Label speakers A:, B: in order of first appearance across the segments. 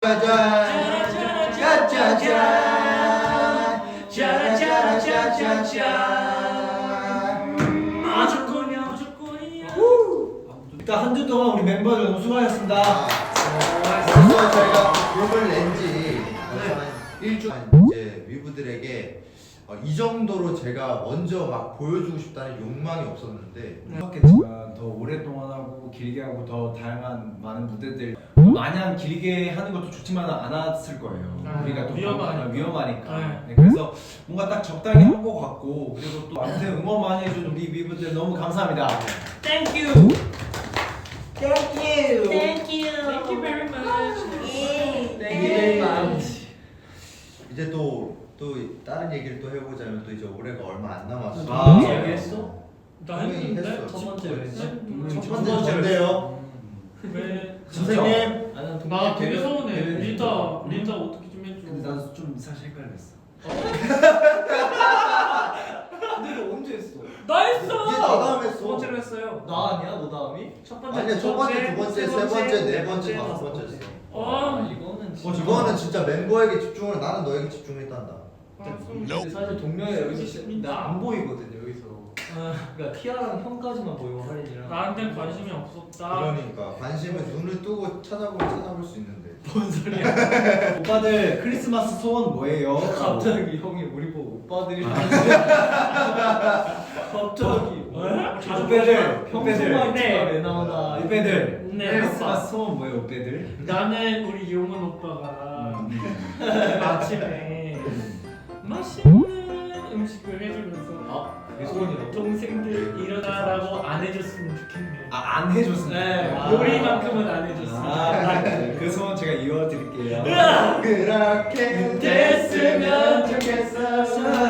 A: 일단 한 주 동안 우리 멤버들 너무 수고하셨습니다.
B: 그래서 저희가 그룹을 낸지 일주일 이제 위브들에게 이 정도로 제가 먼저 막 보여주고 싶다는 욕망이 없었는데
A: 그렇겠지만 더 오랫동안 하고 길게 하고 더 다양한 많은 무대들 마냥 길게 하는 것도 좋지만 않았을 거예요. 우리가 또 위험하니까. 네, 그래서 뭔가 딱 적당히 한 것 같고 그리고 또 아무튼 응원 많이 해준 우리 위브들 너무 감사합니다.
C: Thank you.
A: Thank you.
C: Thank you. Thank you very much.
A: Thank you very much.
B: 이제 또 다른 얘기를 또 해보자면 또 이제 올해가 얼마 안 남았어.
A: 아,
C: 얘기했어? 나 했는데?
B: 첫
C: 번째
B: 첫 번째 전데요.
C: 왜?
B: 선생님.
C: 나 되게 서운해. 리타 어떻게 좀 해줘.
A: 근데 나도 좀 사실 헷갈렸어.
D: 근데 이거 언제 했어?
C: 나 했어.
B: 이게 나 다음 했어.
C: 두 번째로 했어요.
D: 나 아니야? 너 다음이?
C: 첫 번째,
B: 아니야 첫 번째, 두 번째, 세 번째, 네 번째, 다섯 번째였어.
D: 이거는 진짜
B: 이거는 진짜 멤버에게 집중을 나는 너에게 집중했단다.
D: 근데 사실 동명이 여기서 나 안 보이거든 여기서. 그러니까 티아랑 형까지만 보이고 할인이랑.
C: 나한테 관심이 없었다.
B: 그러니까 관심은 눈을 뜨고 찾아볼 수 있는데.
D: 뭔 소리야?
A: 오빠들 크리스마스 소원 뭐예요?
D: 갑자기 형이 우리 보고 오빠들이 갑자기
A: 오빠들
D: 평소만
C: 네.
D: 왜 나오나?
A: 오빠들
C: 네,
A: 크리스마스 소원 뭐예요 오빠들?
C: 나는 우리 용은 오빠가 아침에 맛있는 음식을 해주면서
D: 그게 소원이라고?
C: 동생들 일어나라고 안 해줬으면 좋겠네.
A: 안 해줬습니다.
C: 네, 요리만큼은 안 해줬으면.
A: 그 소원 제가 이어드릴게요.
B: 그렇게
C: 됐으면
B: 좋겠어.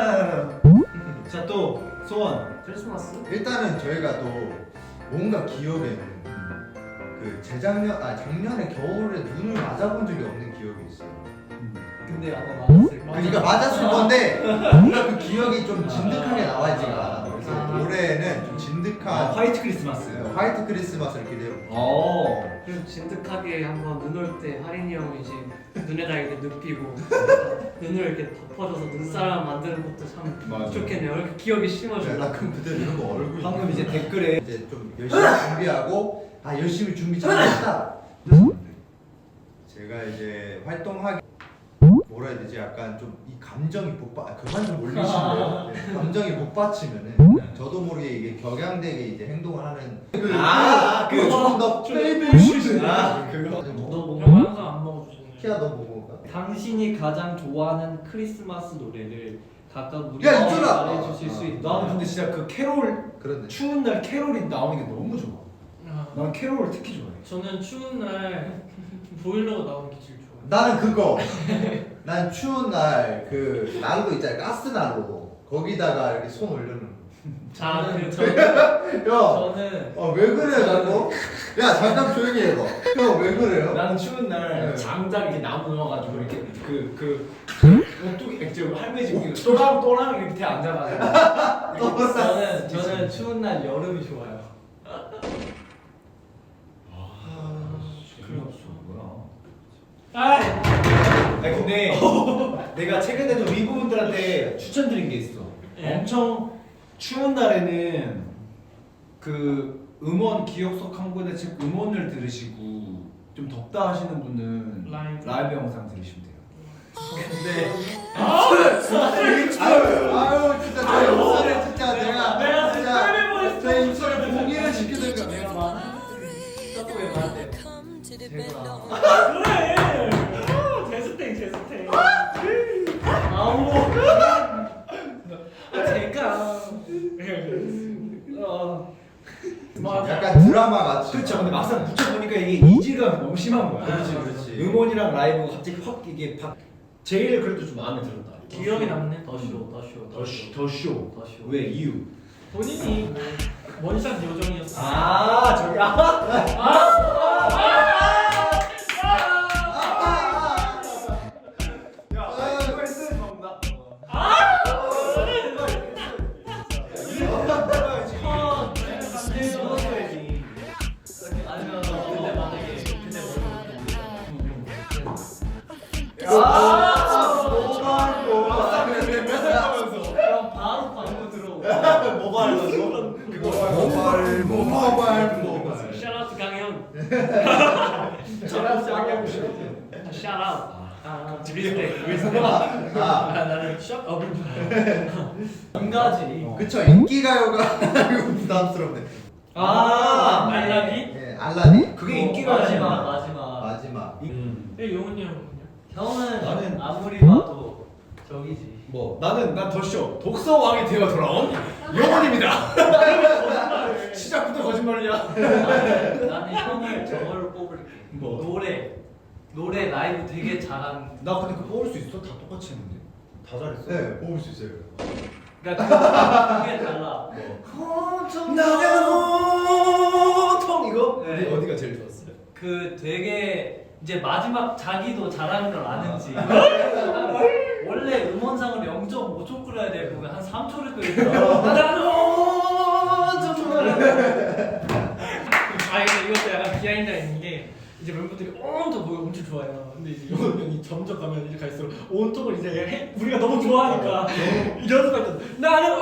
A: 자 또 소원.
D: 크리스마스?
B: 일단은 저희가 또 뭔가 기억에는 그 작년에 겨울에 눈을 맞아본 적이 없는 기억이 있어요.
D: 근데 아마 맞았을 거야.
B: 그러니까 맞았을 건데 뭔가 그 기억이 좀 진득하게 나와있지가 않아. 그래서 올해는 좀 진득한
A: 화이트 크리스마스.
B: 화이트 크리스마스를 기대해요.
E: 그리고 진득하게 한번 눈 올 때 하린이 형이 이제 눈에다 이렇게 눕히고 눈을 이렇게 덮어줘서 눈사람 만드는 것도 참
A: 맞아.
E: 좋겠네요. 이렇게 기억이 심어져.
B: 나 그럼 그대로 이런 거 얼굴
A: 방금 이제 댓글에
B: 이제 좀 열심히 준비하고 열심히 준비 잘했다. 제가 이제 활동하기 뭐라 해야 되지? 약간 좀 이 감정이 그만 좀 올리시고요. 네, 감정이 복받치면은 저도 모르게 이게 격양되게 이제 행동을 하는 조금 더 페이블
A: 그거.
B: 뭐
C: 형 항상 안 먹어주시네.
B: 키야 너 먹어볼까?
D: 당신이 가장 좋아하는 크리스마스 노래를 각각 우리
B: 야, 있잖아!
D: 말해주실 수 있다.
A: 나는 근데 진짜 그 캐롤
B: 그런데
A: 추운 날 캐롤이 나오는 게 너무 좋아.
C: 아,
A: 난 캐롤을 특히 좋아해.
C: 저는 추운 날 보일러가 나오는 게 제일 좋아요.
B: 나는 그거 난 추운 날 그 난로 있잖아 가스 난로 거기다가 이렇게 손 올려놓는
C: 저는
B: 야! 왜 그래 자꾸? 야 잠깐 조용히 해봐. 형 왜 그래요?
A: 나는 추운 날
B: 네.
A: 장작 이렇게 나무 넣어가지고 이렇게 그 뚝 액젓 할매 집 또랑 이렇게 밑에 앉아가지고.
D: 저는 추운 날 여름이 좋아요.
C: 아,
A: 아니 근데 내가 최근에도 위부분들한테 추천드린 게 있어.
C: 예.
A: 엄청 추운 날에는 그 음원 기억석 한 권에 즉 음원을 들으시고 좀 덥다 하시는 분은 라이브 영상 들으시면 돼요. 근데
B: 아유 진짜 저 입술에 진짜 내가
C: 스크랩을
B: 제 입술에 봉기를 시키든가
D: 내가 말 떡국에 말할 때
C: 그래. 제스탱.
D: 아우
C: 맞아.
B: 약간 드라마 같이.
A: 그렇죠. 근데 막상 붙여보니까 이게 이질감이 너무 심한 거야.
B: 그렇지.
A: 음원이랑 라이브가 갑자기 확 이게 제일 그래도 좀 마음에 들었다.
C: 기억이 남네.
A: 더쇼. 왜 이유?
C: 본인이 원샷 요정이었어.
A: 저기
D: 아니면 근데 만약에 근데
C: 그럼 바로 광고 들어오고.
B: 모바일
E: 샤라우트 강현. 샤라우트. 리스펙.
C: 나는 샵 한 가지.
B: 그쵸, 인기가요가 이거 부담스럽네.
C: 알라딘?
B: 예, 알라딘.
A: 그게 인기가요잖아.
C: 마지막.
E: 용훈이 형은요?
C: 형은
A: 나는-
C: 아무리 봐도 저기지.
A: 뭐 나는 난 더쇼 독서 왕이 되어 돌아온 영원입니다. 시작부터 거짓말이야.
C: 나는 형을 저거를 뽑을게.
A: 뭐?
C: 노래 라이브 되게 잘하는.
A: 나 근데 그거 뽑을 수 있어? 다 똑같이 했는데. 다 잘했어.
B: 네, 뽑을 수 있어요.
C: 그러니까 그게 달라.
A: 나는 온통 이거?
C: 네.
A: 어디가 제일 좋았어요?
C: 그 되게 이제 마지막 자기도 잘하는 걸 아는지 원래 음원상을 0.5초 끓여야 되고 한 3초를 끓이더라고.
E: 아니 근데 이것도 약간 비하인드가 있는 게 이제 멤버들이 온통 그걸 엄청 좋아해요. 근데 이제 용훈 형이 점점 가면 이제 갈수록 온통을 이제 우리가 너무 좋아하니까 이런 수가 있어. 나는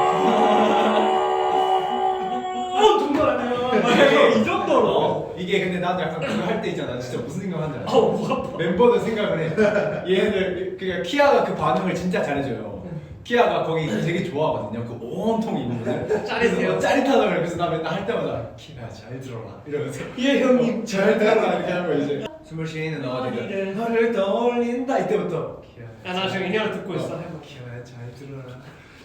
E: 온통을 아니야. 이 정도로.
A: 이게 근데 나도 약간 그거 할 때 있잖아. 진짜 무슨 생각하는지 알아?
E: 아우 목 아파.
A: 멤버들 생각을 해. 얘네들 그러니까 키아가 그 반응을 진짜 잘해줘요. 키아가 거기 되게 좋아하거든요. 그 온통 이 부분을.
E: 짜릿해요.
A: 짜릿하다 그래서 나 맨날 할 때마다 키아 잘 들어라 이러면서
E: 예 형님.
A: 잘 들어라 이렇게 하고 이제 숨을 쉬는 어디가 너를 떠올린다 이때부터 키아
E: 나 지금 이 노래 듣고 있어. 해봐.
A: 키아야 잘 들어라.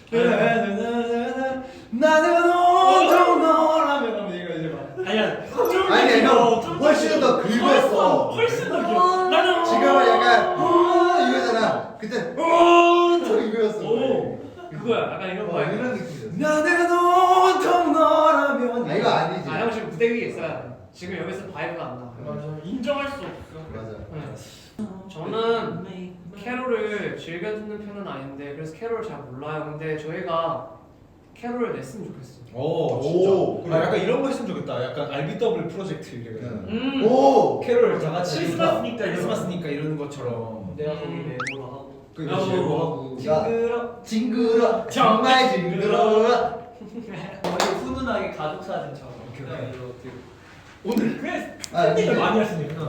A: 나는 온통 너라면 하면 얘가 이제 막
E: 아니야. 좀
B: 아니,
E: 더
B: 형, 훨씬 더 긁었어.
E: 훨씬 더 길어. 나는
B: 지금은 약간 이거잖아. 그때 저 이거였어.
E: 오 그거야. 약간 이런 거야.
B: 이런 느낌이었어.
A: 나는 온통 너라면
B: 아, 이거 아니지.
E: 아 형 지금 무대 위에 있어야 돼. 지금 여기서 바이브가 안 나. 맞아. 인정할 수 없어.
B: 맞아.
E: 네. 저는 캐롤을 즐겨 듣는 편은 아닌데 그래서 캐롤을 잘 몰라요. 근데 저희가 캐롤을 냈으면 좋겠어.
A: 오,
B: 오,
A: 진짜. 아, 약간 이런 거 했으면 좋겠다. 약간 RBW 프로젝트 이래가지고.
B: 오.
A: 캐롤 다 같이
E: 크리스마스니까 이런
A: 크리스마스니까 이러는 것처럼.
E: 내가 거기 메모로 하고.
A: 그 예고 하고.
B: 징그러. 정말 징그러.
C: 머리 훈훈하게 가족 사진처럼.
A: 오케이.
C: 이렇게.
A: 오늘
E: 그래.
B: 아,
E: 팬들이 많이 하시니까.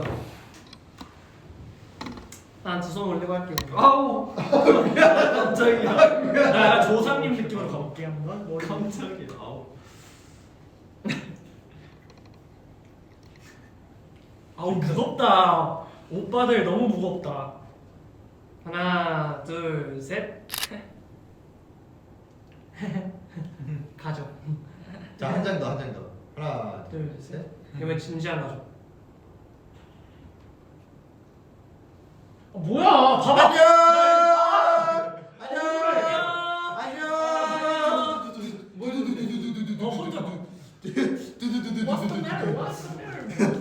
E: 난 두 손 올리고 할게.
C: 아우 깜짝이야.
E: 나 조상님 느낌으로 가볼게 한번. 머리.
C: 깜짝이야. 아우.
E: 아우 무겁다. 오빠들 너무 무겁다. 하나, 둘, 셋. 가죠.
B: 자, 한 장 더, 한 장 더. 하나,
E: 둘, 셋. 이번엔 진지한 가죠. 뭐야? 봐봐.
B: 안녕.
E: 안녕.
B: 안녕.
E: 어 혼자. What's the matter? What's the matter?